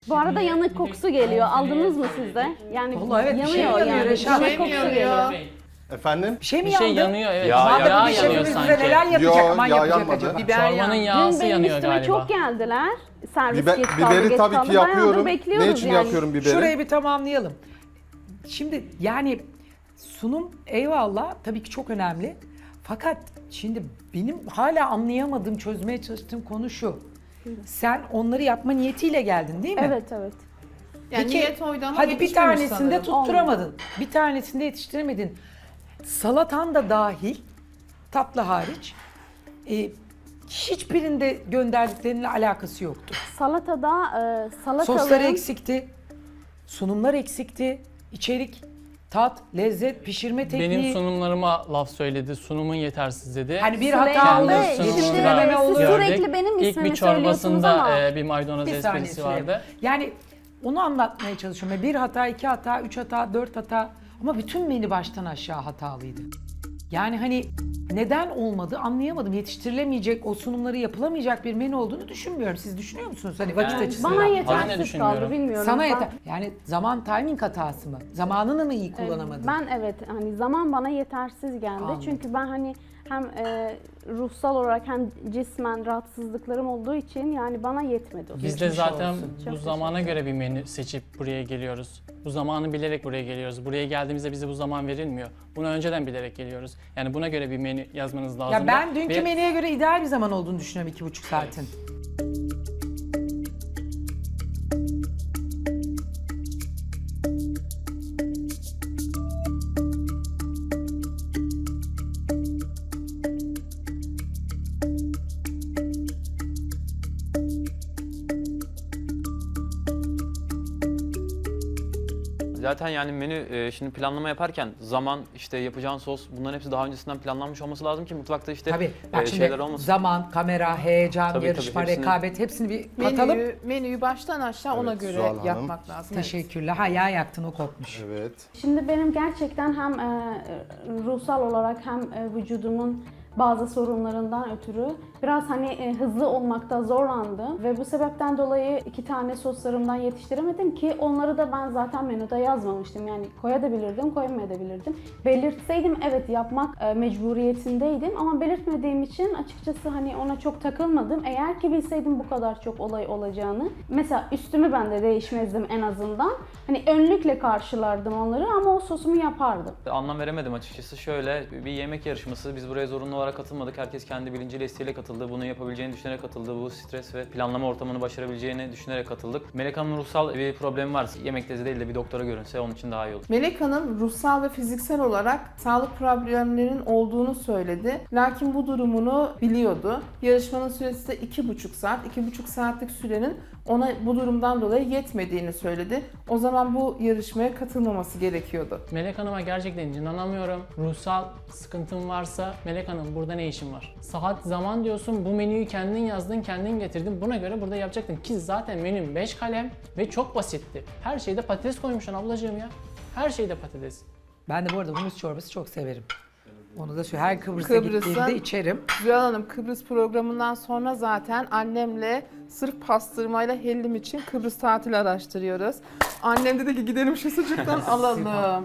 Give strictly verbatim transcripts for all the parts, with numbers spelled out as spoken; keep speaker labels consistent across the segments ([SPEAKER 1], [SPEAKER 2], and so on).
[SPEAKER 1] Bu arada yanık kokusu geliyor. Aldınız mı siz de? Yani
[SPEAKER 2] Vallahi evet, bir şey
[SPEAKER 1] yanıyor
[SPEAKER 2] yanıyor
[SPEAKER 1] yani.
[SPEAKER 2] Reşat.
[SPEAKER 1] Yanık kokusu geliyor.
[SPEAKER 3] Efendim?
[SPEAKER 2] Bir şey mi
[SPEAKER 4] Bir şey
[SPEAKER 2] yandı?
[SPEAKER 4] yanıyor evet.
[SPEAKER 3] Ya,
[SPEAKER 4] Yağ,
[SPEAKER 2] Madem
[SPEAKER 4] yağ
[SPEAKER 2] bir
[SPEAKER 4] yanıyor
[SPEAKER 2] şefimiz bize
[SPEAKER 4] sanki.
[SPEAKER 2] neler yapacak
[SPEAKER 3] Yo,
[SPEAKER 2] aman
[SPEAKER 3] yağ
[SPEAKER 2] yapacak
[SPEAKER 3] yanmadı.
[SPEAKER 2] acaba?
[SPEAKER 4] Çorbanın
[SPEAKER 1] Dün
[SPEAKER 4] yağısı
[SPEAKER 1] benim
[SPEAKER 4] yanıyor
[SPEAKER 1] üstüme
[SPEAKER 4] galiba.
[SPEAKER 1] çok geldiler. Servis
[SPEAKER 3] Biber,
[SPEAKER 1] geç kaldı,
[SPEAKER 3] biberi
[SPEAKER 1] geç
[SPEAKER 3] tabii
[SPEAKER 1] kaldı.
[SPEAKER 3] ki yapıyorum.
[SPEAKER 1] Bayağıdır bekliyoruz
[SPEAKER 3] Ne için
[SPEAKER 1] yani.
[SPEAKER 3] yapıyorum biberi?
[SPEAKER 2] Şurayı bir tamamlayalım. Şimdi yani sunum eyvallah tabii ki çok önemli. Fakat şimdi benim hala anlayamadığım, çözmeye çalıştığım konu şu. Sen onları yapma niyetiyle geldin değil mi?
[SPEAKER 1] Evet evet.
[SPEAKER 5] Yani
[SPEAKER 2] Peki,
[SPEAKER 5] niyet oydu ama
[SPEAKER 2] hadi bir
[SPEAKER 5] yetişmemiş
[SPEAKER 2] tanesinde
[SPEAKER 5] sanırım.
[SPEAKER 2] tutturamadın. Bir tanesinde yetiştiremedin. Salatan da dahil, tatlı hariç, e, hiçbirinde gönderdiklerinle alakası yoktu.
[SPEAKER 1] Salatada e, salatalığın...
[SPEAKER 2] Soslar eksikti, sunumlar eksikti, içerik, tat, lezzet, pişirme tekniği.
[SPEAKER 4] Benim sunumlarıma laf söyledi, sunumun yetersiz dedi.
[SPEAKER 2] Hani bir
[SPEAKER 1] Süleyman
[SPEAKER 2] hata
[SPEAKER 1] Bey,
[SPEAKER 2] olur,
[SPEAKER 4] Kendi
[SPEAKER 1] şimdi
[SPEAKER 2] yetiştirememe
[SPEAKER 1] siz
[SPEAKER 2] olur.
[SPEAKER 4] gördük.
[SPEAKER 1] sürekli benim
[SPEAKER 4] İlk
[SPEAKER 1] ismimi
[SPEAKER 4] bir
[SPEAKER 1] söylüyorsunuz
[SPEAKER 4] çorbasında
[SPEAKER 1] ama...
[SPEAKER 4] e, bir maydanoz
[SPEAKER 2] Bir saniye
[SPEAKER 4] esprisi
[SPEAKER 2] Süleyman.
[SPEAKER 4] vardı.
[SPEAKER 2] Yani onu anlatmaya çalışıyorum. Bir hata, iki hata, üç hata, dört hata ama bütün menü baştan aşağı hatalıydı. Yani hani neden olmadı anlayamadım. Yetiştirilemeyecek, o sunumları yapılamayacak bir menü olduğunu düşünmüyorum. Siz düşünüyor musunuz? Hani vakit
[SPEAKER 4] Yani
[SPEAKER 2] açısından.
[SPEAKER 1] Bana
[SPEAKER 4] Ben de
[SPEAKER 1] yetersiz
[SPEAKER 4] düşünmüyorum.
[SPEAKER 1] kaldı bilmiyorum.
[SPEAKER 2] Sana
[SPEAKER 1] Ben-
[SPEAKER 2] yeter. Yani zaman timing hatası mı? Zamanını mı iyi kullanamadın?
[SPEAKER 1] Ben evet hani zaman bana yetersiz geldi.
[SPEAKER 2] Anladım.
[SPEAKER 1] Çünkü ben hani hem e, ruhsal olarak hem cismen rahatsızlıklarım olduğu için yani bana yetmedi. o.
[SPEAKER 4] Biz de
[SPEAKER 2] Geçmiş
[SPEAKER 4] zaten
[SPEAKER 2] olsun.
[SPEAKER 4] bu
[SPEAKER 1] Çok
[SPEAKER 4] zamana göre bir menü seçip buraya geliyoruz. Bu zamanı bilerek buraya geliyoruz. Buraya geldiğimizde bize bu zaman verilmiyor. Bunu önceden bilerek geliyoruz. Yani buna göre bir menü yazmanız lazım.
[SPEAKER 2] Ya ben dünkü
[SPEAKER 4] Ve-
[SPEAKER 2] menüye göre ideal bir zaman olduğunu düşünüyorum iki buçuk saatin.
[SPEAKER 6] Zaten yani menü e, şimdi planlama yaparken zaman işte yapacağın sos bunların hepsi daha öncesinden planlanmış olması lazım ki mutfakta işte
[SPEAKER 2] Tabii.
[SPEAKER 6] e,
[SPEAKER 2] Bak şimdi
[SPEAKER 6] şeyler olmasın.
[SPEAKER 2] zaman, kamera, heyecan,
[SPEAKER 6] Tabii,
[SPEAKER 2] yarışma,
[SPEAKER 6] tabii, hepsini-
[SPEAKER 2] rekabet hepsini bir katalım.
[SPEAKER 5] Menüyü, menüyü baştan aşağı ona
[SPEAKER 3] Evet,
[SPEAKER 5] göre
[SPEAKER 3] Zuhal Hanım.
[SPEAKER 5] yapmak lazım. Evet.
[SPEAKER 2] Teşekkürler. Ha yağ yaktın o kopmuş.
[SPEAKER 3] Evet.
[SPEAKER 1] Şimdi benim gerçekten hem e, ruhsal olarak hem e, vücudumun bazı sorunlarından ötürü biraz hani e, hızlı olmakta zorlandım ve bu sebepten dolayı iki tane soslarımdan yetiştiremedim ki onları da ben zaten menüde yazmamıştım. Yani koyabilirdim, koyamayabilirdim. Belirtseydim evet yapmak e, mecburiyetindeydim ama belirtmediğim için açıkçası hani ona çok takılmadım. Eğer ki bilseydim bu kadar çok olay olacağını mesela üstümü ben de değişmezdim en azından. Hani önlükle karşılardım onları ama o sosumu yapardım.
[SPEAKER 6] Anlam veremedim açıkçası. Şöyle bir yemek yarışması. Biz buraya zorunlu olarak katılmadık. Herkes kendi bilinciyle isteğiyle katıldı. Bunu yapabileceğini düşünerek katıldı. Bu stres ve planlama ortamını başarabileceğini düşünerek katıldık. Melek Hanım'ın ruhsal bir problemi var. Yemek tezi değil de bir doktora görünse onun için daha iyi olur.
[SPEAKER 5] Melek Hanım ruhsal ve fiziksel olarak sağlık problemlerinin olduğunu söyledi. Lakin bu durumunu biliyordu. Yarışmanın süresi de iki buçuk saat. iki buçuk saatlik sürenin ona bu durumdan dolayı yetmediğini söyledi. O zaman bu yarışmaya katılmaması gerekiyordu.
[SPEAKER 4] Melek Hanım'a gerçekten inanamıyorum. Ruhsal sıkıntın varsa Melek Hanım burada ne işin var? Saat zaman diyorsun, bu menüyü kendin yazdın, kendin getirdin. Buna göre burada yapacaktın ki zaten menüm beş kalem ve çok basitti. Her şeyde patates koymuşsun ablacığım ya. Her şeyde patates.
[SPEAKER 2] Ben de bu arada humus çorbası çok severim. Onu da şu her Kıbrıs'a
[SPEAKER 5] Kıbrıs'a-
[SPEAKER 2] gittiğimde içerim.
[SPEAKER 5] Zühal Hanım Kıbrıs programından sonra zaten annemle sırf pastırmayla hellim için Kıbrıs tatili araştırıyoruz. Annem dedi ki gidelim şu sucuktan alalım.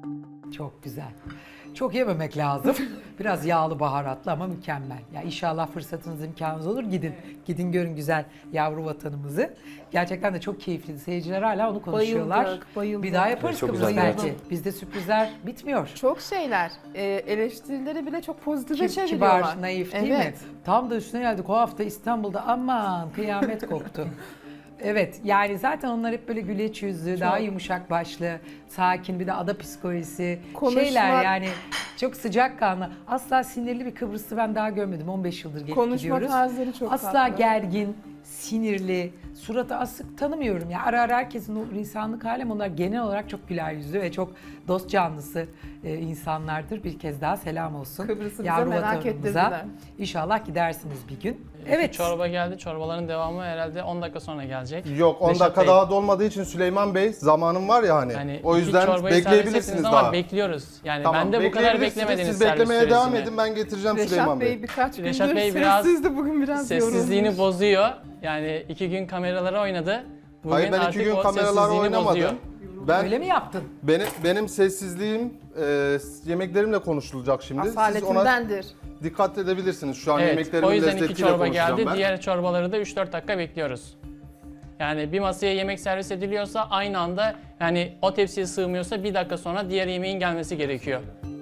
[SPEAKER 2] Çok güzel. Çok yememek lazım. Biraz yağlı baharatlı ama mükemmel. Ya inşallah fırsatınız imkanınız olur. Gidin. Gidin görün güzel yavru vatanımızı. Gerçekten de çok keyifli. Seyirciler hala onu konuşuyorlar.
[SPEAKER 5] Bayıldık, bayıldık.
[SPEAKER 2] Bir daha yaparız
[SPEAKER 6] Evet, çok
[SPEAKER 2] Kıbrıs
[SPEAKER 6] güzel.
[SPEAKER 2] belki. Bizde sürprizler bitmiyor.
[SPEAKER 5] Çok şeyler. Ee, eleştirileri bile çok pozitife
[SPEAKER 2] Ki-
[SPEAKER 5] çeviriyorlar.
[SPEAKER 2] Kibar, naif değil
[SPEAKER 5] Evet.
[SPEAKER 2] mi? Tam da üstüne geldik. O hafta İstanbul'da aman kıyamet koptu. Evet yani zaten onlar hep böyle güleç yüzlü, daha yumuşak başlı, sakin bir de ada psikolojisi
[SPEAKER 5] Konuşma-
[SPEAKER 2] şeyler yani çok sıcakkanlı. Asla sinirli bir Kıbrıslı ben daha görmedim. on beş yıldır gelip
[SPEAKER 5] Konuşma
[SPEAKER 2] gidiyoruz.
[SPEAKER 5] tarzları çok
[SPEAKER 2] Asla
[SPEAKER 5] tatlı.
[SPEAKER 2] gergin, sinirli, suratı asık tanımıyorum ya. Ara ara herkesin o insanlık hali ama onlar genel olarak çok güler yüzlü ve çok dost canlısı e, insanlardır. Bir kez daha selam olsun.
[SPEAKER 5] Kıbrıs'ı bize
[SPEAKER 2] Yavru
[SPEAKER 5] merak
[SPEAKER 2] vatanımıza.
[SPEAKER 5] ettirdiler.
[SPEAKER 2] İnşallah gidersiniz bir gün.
[SPEAKER 4] Evet.
[SPEAKER 2] Evet.
[SPEAKER 4] Çorba geldi. Çorbaların devamı herhalde on dakika sonra gelecek.
[SPEAKER 3] Yok on
[SPEAKER 4] Reşat
[SPEAKER 3] dakika
[SPEAKER 4] Bey,
[SPEAKER 3] daha dolmadığı için Süleyman Bey zamanım var ya hani.
[SPEAKER 4] hani
[SPEAKER 3] o
[SPEAKER 4] iki
[SPEAKER 3] yüzden
[SPEAKER 4] çorbayı servis
[SPEAKER 3] bekleyebilirsiniz
[SPEAKER 4] ettiniz ama
[SPEAKER 3] daha.
[SPEAKER 4] bekliyoruz. Yani
[SPEAKER 3] Tamam,
[SPEAKER 4] ben de bu kadar
[SPEAKER 3] bekleyebilirsiniz.
[SPEAKER 4] beklemediğiniz
[SPEAKER 3] Siz beklemeye
[SPEAKER 4] servis
[SPEAKER 3] devam
[SPEAKER 4] süresini.
[SPEAKER 3] edin, ben getireceğim Süleyman
[SPEAKER 5] Reşat
[SPEAKER 3] Bey.
[SPEAKER 5] Bey birkaç gündür
[SPEAKER 4] Reşat Bey biraz
[SPEAKER 5] sessizdi, bugün biraz
[SPEAKER 4] Sessizliğini
[SPEAKER 5] yorulmuş.
[SPEAKER 4] bozuyor. Yani iki gün kameralara oynadı. Bugün
[SPEAKER 3] Hayır ben iki
[SPEAKER 4] artık
[SPEAKER 3] gün
[SPEAKER 4] o
[SPEAKER 3] kameralar
[SPEAKER 4] sessizliğini
[SPEAKER 3] oynamadım.
[SPEAKER 4] bozuyor.
[SPEAKER 3] Ben
[SPEAKER 2] Öyle mi yaptın?
[SPEAKER 3] benim benim sessizliğim e, yemeklerimle konuşulacak şimdi. Siz ona
[SPEAKER 5] Asaletindendir.
[SPEAKER 3] dikkat edebilirsiniz. Şu an
[SPEAKER 4] Evet,
[SPEAKER 3] yemeklerimin
[SPEAKER 4] o yüzden
[SPEAKER 3] lezzetiyle
[SPEAKER 4] iki çorba
[SPEAKER 3] konuşacağım
[SPEAKER 4] geldi.
[SPEAKER 3] ben.
[SPEAKER 4] Diğer çorbaları da üç dört dakika bekliyoruz. Yani bir masaya yemek servis ediliyorsa aynı anda, yani o tepsiye sığmıyorsa bir dakika sonra diğer yemeğin gelmesi gerekiyor.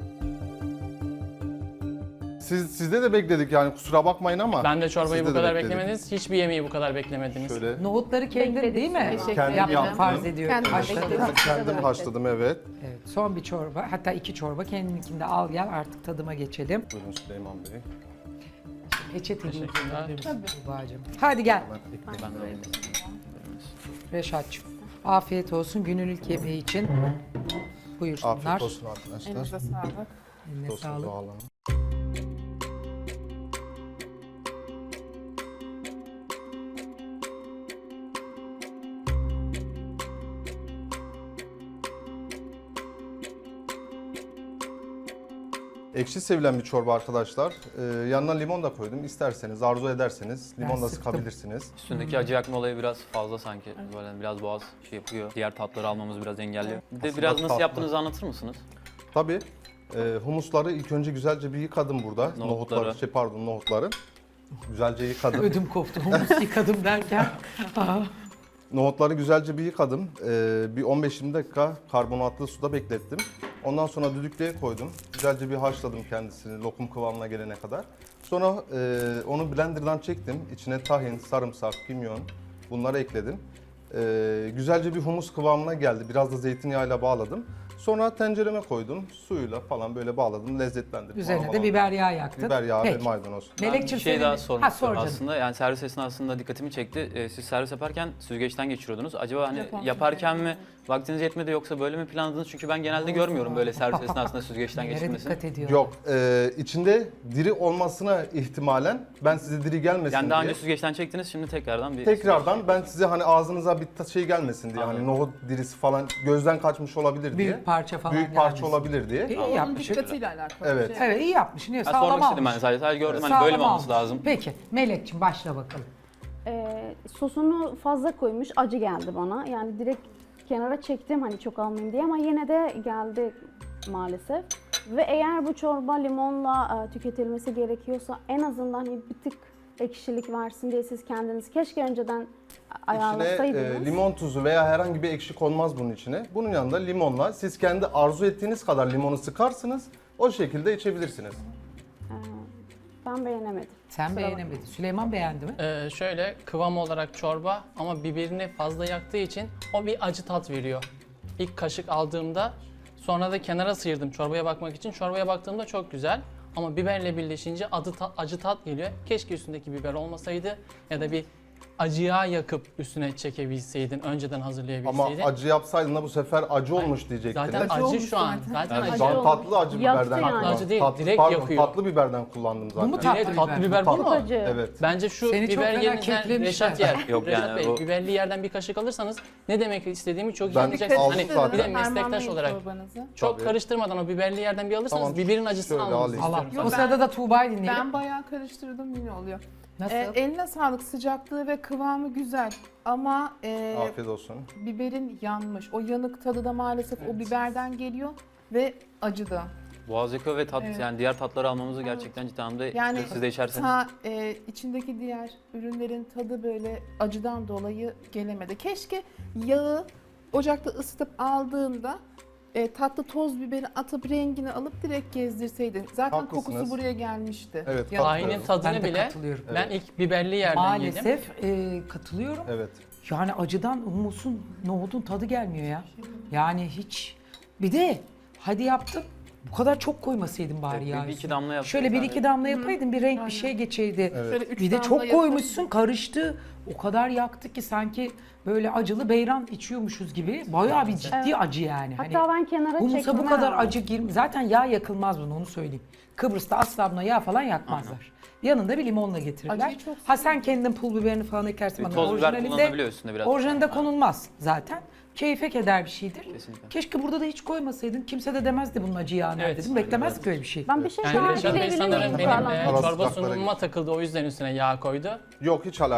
[SPEAKER 3] Siz sizde de bekledik yani kusura bakmayın ama.
[SPEAKER 4] Ben de çorbayı
[SPEAKER 3] sizde
[SPEAKER 4] bu
[SPEAKER 3] de
[SPEAKER 4] kadar
[SPEAKER 3] bekledik.
[SPEAKER 4] beklemediniz. Hiçbir yemeği bu kadar beklemediniz.
[SPEAKER 3] Şöyle
[SPEAKER 2] Nohutları kendin
[SPEAKER 1] Bekledik.
[SPEAKER 2] değil mi?
[SPEAKER 5] Teşekkür
[SPEAKER 3] Kendim
[SPEAKER 5] ederim.
[SPEAKER 3] yaptım.
[SPEAKER 2] Farz ediyorum.
[SPEAKER 5] Kendim
[SPEAKER 2] Haşladın.
[SPEAKER 5] bekledim.
[SPEAKER 3] kendim haşladım evet.
[SPEAKER 2] Evet, son bir çorba, hatta iki çorba kendininkini de al gel artık tadıma geçelim.
[SPEAKER 3] Buyurun Süleyman Bey.
[SPEAKER 2] Peçeteyi
[SPEAKER 4] Teşekkürler.
[SPEAKER 2] Tuğba'cığım. Hadi gel
[SPEAKER 3] Ben ekmeğimi
[SPEAKER 4] Ben de alayım.
[SPEAKER 2] Reşat'cığım. Afiyet olsun günün ilk yemeği için. Buyursunlar.
[SPEAKER 3] Afiyet olsun arkadaşlar.
[SPEAKER 5] Elinize sağlık.
[SPEAKER 2] Eline
[SPEAKER 3] Olsun,
[SPEAKER 2] sağlık.
[SPEAKER 3] Zuhal Hanım. Ekşi sevilen bir çorba arkadaşlar. Ee, yanına limon da koydum. İsterseniz, arzu ederseniz limon
[SPEAKER 2] Ben
[SPEAKER 3] da
[SPEAKER 2] sıktım.
[SPEAKER 3] sıkabilirsiniz.
[SPEAKER 6] Üstündeki acı yakma olayı biraz fazla sanki. Böyle biraz boğaz şey yapıyor. Diğer tatları almamız biraz engelliyor. Bir de
[SPEAKER 3] Aslında
[SPEAKER 6] biraz nasıl
[SPEAKER 3] tatlı.
[SPEAKER 6] yaptığınızı anlatır mısınız?
[SPEAKER 3] Tabii. E, humusları ilk önce güzelce bir yıkadım burada.
[SPEAKER 6] Nohutları.
[SPEAKER 3] Nohutları, şey pardon nohutları. Güzelce yıkadım.
[SPEAKER 2] Ödüm koptu. Humus yıkadım derken. Aa,
[SPEAKER 3] Nohutları güzelce bir yıkadım. Ee, bir on beş yirmi dakika karbonatlı suda beklettim. Ondan sonra düdüklüye koydum. Güzelce bir haşladım kendisini lokum kıvamına gelene kadar. Sonra e, onu blenderdan çektim. İçine tahin, sarımsak, kimyon bunları ekledim. Ee, güzelce bir humus kıvamına geldi. Biraz da zeytinyağıyla bağladım. Sonra tencereme koydum. Suyuyla falan böyle bağladım. Lezzetlendirdim.
[SPEAKER 2] üzerine
[SPEAKER 3] Ona
[SPEAKER 2] de
[SPEAKER 3] falan.
[SPEAKER 2] biber yağı yaktın.
[SPEAKER 3] Biber yağı ve
[SPEAKER 2] Peki.
[SPEAKER 3] maydanoz.
[SPEAKER 6] Ben bir
[SPEAKER 2] Melekciğim
[SPEAKER 6] şey
[SPEAKER 2] senin-
[SPEAKER 6] daha sormak
[SPEAKER 2] Ha,
[SPEAKER 6] istiyorum
[SPEAKER 2] sor canım.
[SPEAKER 6] aslında. Yani servis esnasında dikkatimi çekti. Ee, siz servis yaparken süzgeçten geçiriyordunuz. Acaba hani
[SPEAKER 5] Japon
[SPEAKER 6] yaparken mi vaktiniz yetmedi yoksa böyle mi planladınız? Çünkü ben genelde görmüyorum böyle servis esnasında süzgeçten
[SPEAKER 2] Nelere
[SPEAKER 6] geçirmesini.
[SPEAKER 2] dikkat ediyor.
[SPEAKER 3] Yok, e, içinde diri olmasına ihtimalen ben size diri gelmesin
[SPEAKER 6] Yani daha
[SPEAKER 3] diye.
[SPEAKER 6] önce süzgeçten çektiniz, şimdi tekrardan bir...
[SPEAKER 3] Tekrardan ben size hani ağzınıza bir ta- şey gelmesin diye
[SPEAKER 6] Anladım.
[SPEAKER 3] hani nohut dirisi falan gözden kaçmış olabilir diye.
[SPEAKER 2] Büyük parça falan
[SPEAKER 3] Büyük parça
[SPEAKER 2] gelmesin.
[SPEAKER 3] olabilir diye.
[SPEAKER 2] İyi
[SPEAKER 5] Onun
[SPEAKER 2] yapmışsın.
[SPEAKER 5] dikkatiyle alakalı.
[SPEAKER 3] Evet.
[SPEAKER 5] bir şey.
[SPEAKER 2] Evet iyi yapmışsın. Niye?
[SPEAKER 6] Ben
[SPEAKER 2] Sağlam
[SPEAKER 6] sormak istedim
[SPEAKER 2] almış.
[SPEAKER 6] ben sadece. Sadece gördüm hani
[SPEAKER 2] Sağlam
[SPEAKER 6] böyle mi olması
[SPEAKER 2] almış.
[SPEAKER 6] lazım?
[SPEAKER 2] Peki Melekciğim başla bakalım.
[SPEAKER 1] Ee, sosunu fazla koymuş, acı geldi bana. Yani direkt kenara çektim hani çok almayayım diye ama yine de geldi maalesef. Ve eğer bu çorba limonla e, tüketilmesi gerekiyorsa en azından hani bir tık ekşilik versin diye siz kendiniz keşke önceden
[SPEAKER 3] İçine
[SPEAKER 1] ayarlasaydınız.
[SPEAKER 3] e, limon tuzu veya herhangi bir ekşi konmaz bunun içine. Bunun yanında limonla siz kendi arzu ettiğiniz kadar limonu sıkarsınız. O şekilde içebilirsiniz.
[SPEAKER 1] Ee, ben beğenemedim.
[SPEAKER 2] Sen
[SPEAKER 1] Kusura
[SPEAKER 2] beğenemedin. Süleyman beğendi mi?
[SPEAKER 4] Ee, şöyle kıvam olarak çorba ama biberini fazla yaktığı için o bir acı tat veriyor. İlk kaşık aldığımda sonra da kenara sıyırdım çorbaya bakmak için. Çorbaya baktığımda çok güzel ama biberle birleşince adı ta- acı tat geliyor. Keşke üstündeki biber olmasaydı ya da bir acı yağ yakıp üstüne çekebilseydin, önceden
[SPEAKER 3] Ama
[SPEAKER 4] hazırlayabilseydin.
[SPEAKER 3] acı yapsaydın da bu sefer acı olmuş diyecektiniz.
[SPEAKER 4] Zaten
[SPEAKER 5] Acı
[SPEAKER 4] acı,
[SPEAKER 5] olmuş
[SPEAKER 4] şu an.
[SPEAKER 5] zaten.
[SPEAKER 4] Zaten
[SPEAKER 3] Yani
[SPEAKER 4] acı.
[SPEAKER 3] şu an
[SPEAKER 1] olmuş.
[SPEAKER 3] tatlı acı
[SPEAKER 1] Yaktı
[SPEAKER 3] biberden
[SPEAKER 1] yani.
[SPEAKER 3] kullandım.
[SPEAKER 4] Acı değil,
[SPEAKER 3] tatlı,
[SPEAKER 4] direkt
[SPEAKER 3] pardon,
[SPEAKER 4] yakıyor.
[SPEAKER 3] tatlı biberden kullandım zaten.
[SPEAKER 2] Bu mu tatlı
[SPEAKER 4] Direkt tatlı
[SPEAKER 2] biber?
[SPEAKER 4] biber bu
[SPEAKER 1] Çok
[SPEAKER 4] mu?
[SPEAKER 1] acı.
[SPEAKER 3] Evet.
[SPEAKER 4] Bence şu
[SPEAKER 2] Seni çok
[SPEAKER 4] biber
[SPEAKER 2] fena
[SPEAKER 4] yerinden
[SPEAKER 2] keklemişler.
[SPEAKER 4] Reşat yer.
[SPEAKER 6] Yok
[SPEAKER 4] Reşat
[SPEAKER 6] yani
[SPEAKER 4] Bey,
[SPEAKER 6] o-
[SPEAKER 4] biberli yerden bir kaşık alırsanız ne demek istediğimi çok iyi
[SPEAKER 3] Ben
[SPEAKER 4] anlayacaksınız.
[SPEAKER 3] aldım
[SPEAKER 4] Hani
[SPEAKER 3] zaten.
[SPEAKER 4] bir de
[SPEAKER 5] Harmanlayın
[SPEAKER 4] meslektaş olarak
[SPEAKER 5] çorbanızı.
[SPEAKER 4] çok
[SPEAKER 3] Tabii.
[SPEAKER 4] karıştırmadan o biberli yerden bir alırsanız
[SPEAKER 3] Tamam,
[SPEAKER 4] biberin acısını
[SPEAKER 3] şöyle
[SPEAKER 4] almanızı
[SPEAKER 3] alayım.
[SPEAKER 4] istiyorum.
[SPEAKER 2] Allah.
[SPEAKER 5] Yok,
[SPEAKER 2] O
[SPEAKER 5] ben-
[SPEAKER 2] sırada da Tuğba'yı dinleyelim.
[SPEAKER 5] Ben bayağı karıştırdım yine oluyor.
[SPEAKER 2] Nasıl?
[SPEAKER 5] Ee, eline sağlık, sıcaklığı ve kıvamı güzel ama e,
[SPEAKER 3] Afiyet olsun.
[SPEAKER 5] biberin yanmış. O yanık tadı da maalesef o biberden geliyor ve acı da.
[SPEAKER 6] Boğaz yakıyor ve tat,
[SPEAKER 5] Evet.
[SPEAKER 6] yani diğer tatları almamızı gerçekten ciddi anlamda
[SPEAKER 5] Yani
[SPEAKER 6] siz de içerseniz.
[SPEAKER 5] ta, e, içindeki diğer ürünlerin tadı böyle acıdan dolayı gelemedi. Keşke yağı ocakta ısıtıp aldığında e, tatlı toz biberi atıp rengini alıp direkt gezdirseydin. Zaten
[SPEAKER 3] Haklısınız.
[SPEAKER 5] kokusu buraya gelmişti.
[SPEAKER 3] Evet,
[SPEAKER 5] Ya-
[SPEAKER 4] Aynen
[SPEAKER 3] katılıyorum.
[SPEAKER 4] tadını
[SPEAKER 2] Ben de
[SPEAKER 4] bile
[SPEAKER 2] katılıyorum.
[SPEAKER 4] ben ilk biberli yerden yedim.
[SPEAKER 2] Maalesef e, katılıyorum.
[SPEAKER 3] Evet.
[SPEAKER 2] Yani acıdan humusun, nohudun tadı gelmiyor ya. Yani hiç. Bir de hadi yaptım. Bu kadar çok koymasaydın bari
[SPEAKER 6] Evet,
[SPEAKER 2] ya.
[SPEAKER 6] bir- bir iki
[SPEAKER 2] üstüne.
[SPEAKER 6] damla yaptım
[SPEAKER 2] Şöyle bir
[SPEAKER 6] yani.
[SPEAKER 2] iki damla yapaydın bir renk bir şey geçeydi.
[SPEAKER 3] Evet.
[SPEAKER 5] Şöyle üç
[SPEAKER 2] Bir de
[SPEAKER 5] damla
[SPEAKER 2] çok
[SPEAKER 5] yapıp-
[SPEAKER 2] koymuşsun karıştı. O kadar yaktı ki sanki böyle acılı beyran içiyormuşuz gibi. Bayağı bir ciddi acı yani. Hani
[SPEAKER 1] Hatta ben kenara
[SPEAKER 2] humusa
[SPEAKER 1] çektim.
[SPEAKER 2] bu kadar acı girmiyor. Zaten yağ yakılmaz bunu onu söyleyeyim. Kıbrıs'ta asla buna yağ falan yakmazlar. Yanında bir limonla getirirler.
[SPEAKER 5] Acıyı çok
[SPEAKER 2] Ha sen kendin pul biberini falan ekersin.
[SPEAKER 6] Bir
[SPEAKER 2] ama
[SPEAKER 6] toz biber
[SPEAKER 2] orijinalinde-
[SPEAKER 6] kullanılabiliyor üstünde biraz.
[SPEAKER 2] Orijinalinde konulmaz zaten. Keyfe keder bir şeydir.
[SPEAKER 6] Kesinlikle.
[SPEAKER 2] Keşke burada da hiç koymasaydın. Kimse de demezdi bunun acı yağı nerede
[SPEAKER 4] Evet.
[SPEAKER 2] dedim. Beklemezdik öyle bir şey.
[SPEAKER 1] Ben bir şey
[SPEAKER 4] Yani
[SPEAKER 1] daha
[SPEAKER 4] Reşat Bey
[SPEAKER 1] ekleyebilir
[SPEAKER 4] sanırım
[SPEAKER 1] miyim?
[SPEAKER 4] benim
[SPEAKER 1] Pardon.
[SPEAKER 4] e,
[SPEAKER 3] Arası
[SPEAKER 4] çorba
[SPEAKER 3] tatlara
[SPEAKER 4] sunumuma takıldı o yüzden üstüne yağ koydu.
[SPEAKER 3] Yok hiç alakası
[SPEAKER 4] Yani-
[SPEAKER 3] yok.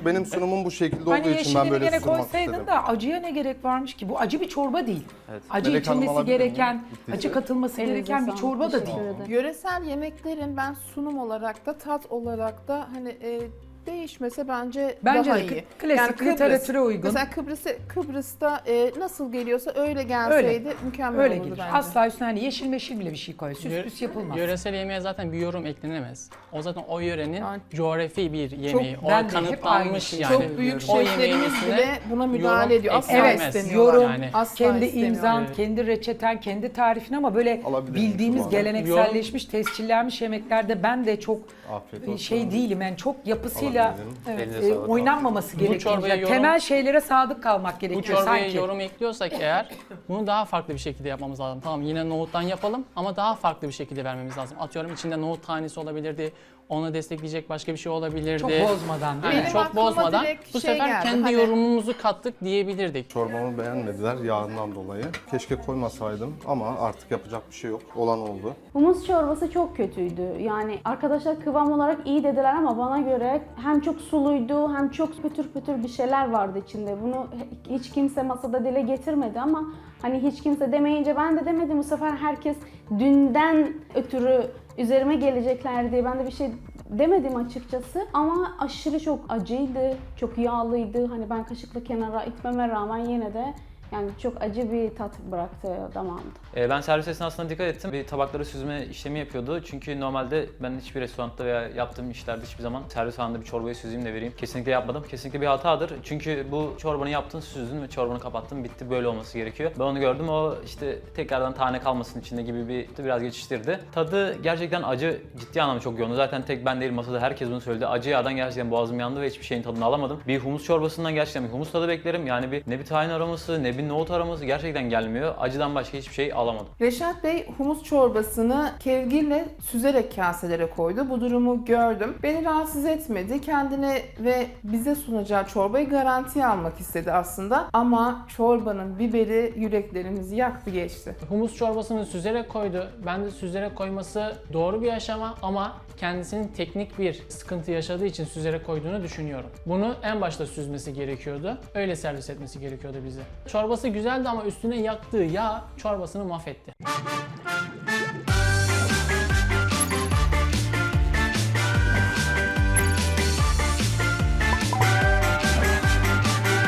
[SPEAKER 3] benim sunumum bu şekilde
[SPEAKER 2] Hani
[SPEAKER 3] olduğu için ben
[SPEAKER 2] yeşilini
[SPEAKER 3] böyle
[SPEAKER 2] gene
[SPEAKER 3] sunmak
[SPEAKER 2] koysaydın
[SPEAKER 3] istedim.
[SPEAKER 2] da acıya ne gerek varmış ki? Bu acı bir çorba değil.
[SPEAKER 6] Evet.
[SPEAKER 2] Acı
[SPEAKER 3] Melek Hanım
[SPEAKER 2] içilmesi
[SPEAKER 3] alabilir miyim?
[SPEAKER 2] gereken,
[SPEAKER 3] Bittiyse.
[SPEAKER 2] acı katılması
[SPEAKER 1] Elinize
[SPEAKER 2] gereken bir
[SPEAKER 1] sağlık,
[SPEAKER 2] çorba da
[SPEAKER 1] teşekkür
[SPEAKER 2] değil.
[SPEAKER 1] ederim.
[SPEAKER 5] Yöresel yemeklerin ben sunum olarak da tat olarak da hani e, değişmese bence,
[SPEAKER 2] Bence
[SPEAKER 5] daha
[SPEAKER 2] de
[SPEAKER 5] iyi.
[SPEAKER 2] klasik
[SPEAKER 5] Kıbrıs-
[SPEAKER 2] literatüre uygun.
[SPEAKER 5] Mesela Kıbrıs'ı, Kıbrıs'ta e, nasıl geliyorsa öyle gelseydi mükemmel
[SPEAKER 2] Öyle
[SPEAKER 5] olurdu
[SPEAKER 2] gelir.
[SPEAKER 5] bence.
[SPEAKER 2] Asla üstüne hani yeşil meşil bile bir şey koy. Süs
[SPEAKER 4] Yö-
[SPEAKER 2] püs yapılmaz.
[SPEAKER 4] Yöresel yemeğe zaten bir yorum eklenemez. O zaten o yörenin
[SPEAKER 5] Yani
[SPEAKER 4] coğrafi bir yemeği.
[SPEAKER 2] Çok-
[SPEAKER 4] o
[SPEAKER 2] ben de hep aynı
[SPEAKER 4] kanıtlanmış
[SPEAKER 2] şeyi
[SPEAKER 4] yani.
[SPEAKER 5] Çok büyük
[SPEAKER 4] O yemeğin
[SPEAKER 5] şeflerimiz
[SPEAKER 4] üstüne
[SPEAKER 5] bile buna müdahale
[SPEAKER 4] yorum
[SPEAKER 5] ediyor. Asla
[SPEAKER 4] eklenmez.
[SPEAKER 5] istemiyorlar.
[SPEAKER 2] yorum,
[SPEAKER 4] Yani.
[SPEAKER 5] Asla
[SPEAKER 2] kendi
[SPEAKER 5] istemiyorlar.
[SPEAKER 2] imzan,
[SPEAKER 4] Evet.
[SPEAKER 2] kendi reçeten, kendi tarifin ama böyle
[SPEAKER 3] Alabilir miyim
[SPEAKER 2] bildiğimiz
[SPEAKER 3] Tuğba Hanım?
[SPEAKER 2] gelenekselleşmiş, tescillenmiş yemeklerde ben de çok
[SPEAKER 3] Afiyet olsun.
[SPEAKER 2] şey değilim. Yani çok yapısıyla
[SPEAKER 3] Alabilirim.
[SPEAKER 6] Elinize
[SPEAKER 2] e,
[SPEAKER 6] sağlık.
[SPEAKER 2] oynanmaması gerekiyor.
[SPEAKER 4] çorbaya
[SPEAKER 2] Yani
[SPEAKER 4] yorum-
[SPEAKER 2] temel şeylere sadık kalmak
[SPEAKER 4] Bu
[SPEAKER 2] gerekiyor
[SPEAKER 4] çorbaya
[SPEAKER 2] sanki.
[SPEAKER 4] yorum ekliyorsak eğer bunu daha farklı bir şekilde yapmamız lazım. Tamam yine nohuttan yapalım ama daha farklı bir şekilde vermemiz lazım. Atıyorum içinde nohut tanesi olabilirdi. Onu destekleyecek başka bir şey olabilirdi.
[SPEAKER 2] Çok bozmadan değil
[SPEAKER 4] Aynen,
[SPEAKER 2] mi?
[SPEAKER 5] Benim
[SPEAKER 4] çok
[SPEAKER 5] aklıma
[SPEAKER 4] bozmadan
[SPEAKER 5] direkt
[SPEAKER 4] bu
[SPEAKER 5] şey
[SPEAKER 4] sefer
[SPEAKER 5] geldi,
[SPEAKER 4] kendi
[SPEAKER 5] hani-
[SPEAKER 4] yorumumuzu kattık diyebilirdik.
[SPEAKER 3] Çorbamı beğenmediler yağından dolayı. Keşke koymasaydım ama artık yapacak bir şey yok. Olan oldu.
[SPEAKER 1] Humus çorbası çok kötüydü. Yani arkadaşlar kıvam olarak iyi dediler ama bana göre hem çok suluydu hem çok pütür pütür bir şeyler vardı içinde. Bunu hiç kimse masada dile getirmedi ama hani hiç kimse demeyince ben de demedim. Bu sefer herkes dünden ötürü üzerime gelecekler diye ben de bir şey demedim açıkçası. Ama aşırı çok acıydı, çok yağlıydı. Hani ben kaşıkla kenara itmeme rağmen yine de yani çok acı bir tat bıraktı damağımda.
[SPEAKER 6] Ee, ben servis esnasında dikkat ettim. Bir tabakları süzme işlemi yapıyordu. Çünkü normalde ben hiçbir restoranda veya yaptığım işlerde hiçbir zaman servis anında bir çorbayı süzeyim de vereyim. Kesinlikle yapmadım. Kesinlikle bir hatadır. Çünkü bu çorbanı yaptın, süzdün ve çorbanı kapattın. Bitti. Böyle olması gerekiyor. Ben onu gördüm. O işte tekrardan tane kalmasın içinde gibi bir biraz geçiştirdi. Tadı gerçekten acı, ciddi anlamda çok yoğundu. Zaten tek ben değil masada herkes bunu söyledi. Acı yağdan gerçekten boğazım yandı ve hiçbir şeyin tadını alamadım. Bir humus çorbasından gerçekten bir humus tadı beklerim. Yani bir ne bir tahin aroması ne bir nohut aroması gerçekten gelmiyor. Acıdan başka hiçbir şey alamadım.
[SPEAKER 5] Reşat Bey humus çorbasını kevgirle süzerek kaselere koydu. Bu durumu gördüm. Beni rahatsız etmedi. Kendine ve bize sunacağı çorbayı garantiye almak istedi aslında. Ama çorbanın biberi yüreklerimizi yaktı geçti.
[SPEAKER 4] Humus çorbasını süzerek koydu. Ben de süzerek koyması doğru bir aşama ama kendisinin teknik bir sıkıntı yaşadığı için süzerek koyduğunu düşünüyorum. Bunu en başta süzmesi gerekiyordu. Öyle servis etmesi gerekiyordu bize. Çorbası güzeldi ama üstüne yaktığı yağ çorbasını mahvetti.